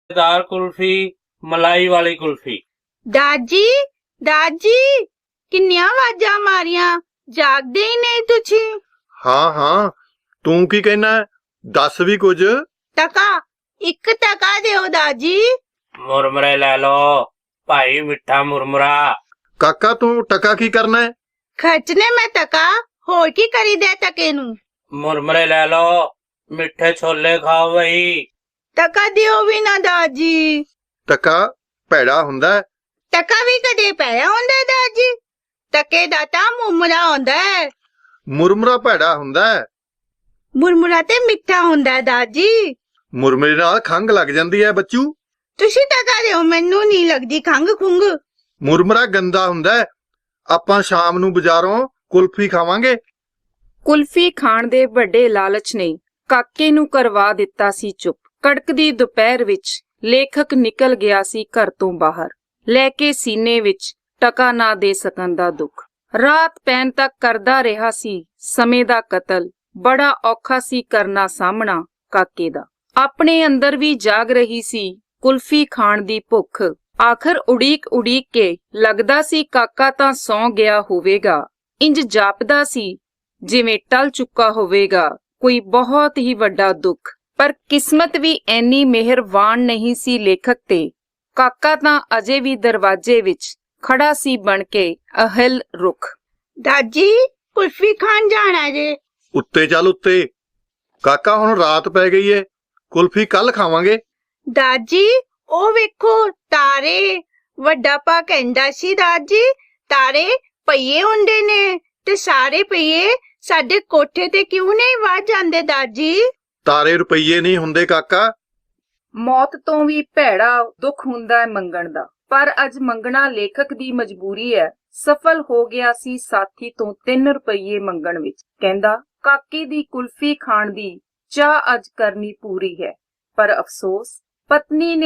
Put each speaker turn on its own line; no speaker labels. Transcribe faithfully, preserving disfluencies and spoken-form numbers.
दार कुल्फी, मलाई वाली कुल्फी।
ਦਾਦੀ ਦਾਦੀ ਕਿੰਨੀਆਂ ਆਵਾਜ਼ਾਂ ਮਾਰੀਆਂ, ਜਾਗਦੇ ਹੀ ਨਹੀਂ ਤੁਸੀਂ।
ਹਾਂ ਹਾਂ, ਤੂੰ ਕੀ ਕਹਿਣਾ ਹੈ? ਦੱਸ ਵੀ ਕੁਝ।
ਟਕਾ, ਇੱਕ ਟਕਾ ਦਿਓ ਦਾਦੀ।
मुरमुरे ले लो भाई, मिठा मुरमुरा।
ਕਾਕਾ ਤੂੰ ਟਕਾ ਕੀ ਕਰਨਾ ਹੈ?
ਖਰਚਨੇ ਮੈਂ ਟਕਾ, ਹੋਰ ਕੀ ਕਰੀਦਾ ਟਕੇ ਨੂੰ।
मुरमुरे ले लो, मिठे छोले खाओ भाई।
ਟਕਾ ਦਿਓ ਵੀ ਨਾ ਦਾਦੀ।
ਟਕਾ ਭੈੜਾ ਹੁੰਦਾ ਹੈ।
ਟਕਾ ਵੀ ਕਦੇ ਪਿਆ ਹੁੰਦਾ ਦਾਦੀ? ਟਕੇ ਦਾ ਤਾਂ ਮੁਰਮੁਰਾ ਹੁੰਦਾ ਹੈ।
ਮੁਰਮੁਰਾ ਭੈੜਾ ਹੁੰਦਾ ਹੈ।
ਮੁਰਮੁਰਾ ਤੇ ਮਿੱਠਾ ਹੁੰਦਾ ਹੈ ਦਾਦੀ।
ਮੁਰਮੁਰੇ ਨਾਲ ਖੰਘ ਲੱਗ ਜਾਂਦੀ ਹੈ ਬੱਚੂ।
ਤੁਸੀਂ ਟਕਾ ਦਿਓ, ਮੈਨੂੰ ਨਹੀਂ ਲੱਗਦੀ ਖੰਘ ਖੁੰਘ।
ਮੁਰਮੁਰਾ ਗੰਦਾ ਹੁੰਦਾ ਹੈ। ਆਪਾਂ ਸ਼ਾਮ ਨੂੰ ਬਾਜ਼ਾਰੋਂ ਕੁਲਫੀ ਖਾਵਾਂਗੇ।
ਕੁਲਫੀ ਖਾਣ ਦੇ ਵੱਡੇ ਲਾਲਚ ਨੇ ਕਾਕੇ ਨੂੰ ਕਰਵਾ ਦਿੱਤਾ ਸੀ ਚੁੱਪ। ਕੜਕਦੀ ਦੁਪਹਿਰ ਵਿੱਚ ਲੇਖਕ ਨਿਕਲ ਗਿਆ ਸੀ ਘਰ ਤੋਂ ਬਾਹਰ, ਲੈ ਕੇ ਸੀਨੇ ਵਿੱਚ ਟਕਾ ਨਾ ਦੇ ਸਕਣ ਦਾ ਦੁੱਖ। ਰਾਤ ਪੈਣ ਤੱਕ ਕਰਦਾ ਰਿਹਾ ਸੀ ਸਮੇਂ ਦਾ ਕਤਲ। ਬੜਾ ਔਖਾ ਸੀ ਕਰਨਾ ਸਾਹਮਣਾ ਕਾਕੇ ਦਾ। ਆਪਣੇ ਅੰਦਰ ਵੀ ਜਾਗ ਰਹੀ ਸੀ ਕੁਲਫੀ ਖਾਣ ਦੀ ਭੁੱਖ। ਆਖਰ ਉਡੀਕ ਉਡੀਕ ਕੇ ਲੱਗਦਾ ਸੀ ਕਾਕਾ ਤਾਂ ਸੌਂ ਗਿਆ ਹੋਵੇਗਾ। ਇੰਜ ਜਾਪਦਾ ਸੀ ਜਿਵੇਂ ਟਲ ਚੁੱਕਾ ਹੋਵੇਗਾ ਕੋਈ ਬਹੁਤ ਹੀ ਵੱਡਾ ਦੁੱਖ। ਪਰ ਕਿਸਮਤ ਵੀ ਐਨੀ ਮਿਹਰਬਾਨ ਨਹੀਂ ਸੀ ਲੇਖਕ ਤੇ। ਕਾਕਾ ਤਾਂ ਅਜੇ ਵੀ ਦਰਵਾਜ਼ੇ ਵਿੱਚ ਖੜਾ ਸੀ ਬਣ ਕੇ ਅਹਿਲ ਰੁੱਖ।
ਦਾਦੀ ਕੁਲਫੀ ਖਾਣ ਜਾਣਾ ਜੇ।
ਉੱਤੇ ਚੱਲ ਉੱਤੇ। ਕਾਕਾ ਹੁਣ ਰਾਤ ਪੈ ਗਈ ਏ, ਕੁਲਫੀ ਕੱਲ ਖਾਵਾਂਗੇ।
ਦਾਦੀ ਉਹ ਵੇਖੋ ਤਾਰੇ। ਵੱਡਾ ਪਾ ਕਹਿੰਦਾ ਸੀ ਦਾਦੀ ਤਾਰੇ ਪਈਏ ਹੁੰਦੇ ਨੇ, ਤੇ ਸਾਰੇ ਪਈਏ ਸਾਡੇ ਕੋਠੇ ਤੇ ਕਿਉਂ ਨਹੀਂ ਵੱਜ ਜਾਂਦੇ ਦਾਦੀ?
ਤਾਰੇ ਰੁਪਈਏ ਨਹੀਂ ਹੁੰਦੇ ਕਾਕਾ।
ਮੌਤ ਤੋਂ ਵੀ ਭੈੜਾ ਦੁੱਖ ਹੁੰਦਾ ਹੈ ਮੰਗਣ ਦਾ, ਪਰ ਅੱਜ ਮੰਗਣਾ ਲੇਖਕ ਦੀ ਮਜਬੂਰੀ ਹੈ। ਸਫਲ ਹੋ ਗਿਆ ਸੀ ਸਾਥੀ ਤੋਂ ਤਿੰਨ ਰੁਪਈਏ ਮੰਗਣ ਵਿੱਚ। ਕਹਿੰਦਾ ਕਾਕੇ ਦੀ ਕੁਲਫੀ ਖਾਣ ਦੀ ਚਾਹ ਅੱਜ ਕਰਨੀ ਪੂਰੀ ਹੈ। ਪਰ ਅਫਸੋਸ ਪਤਨੀ ਨੇ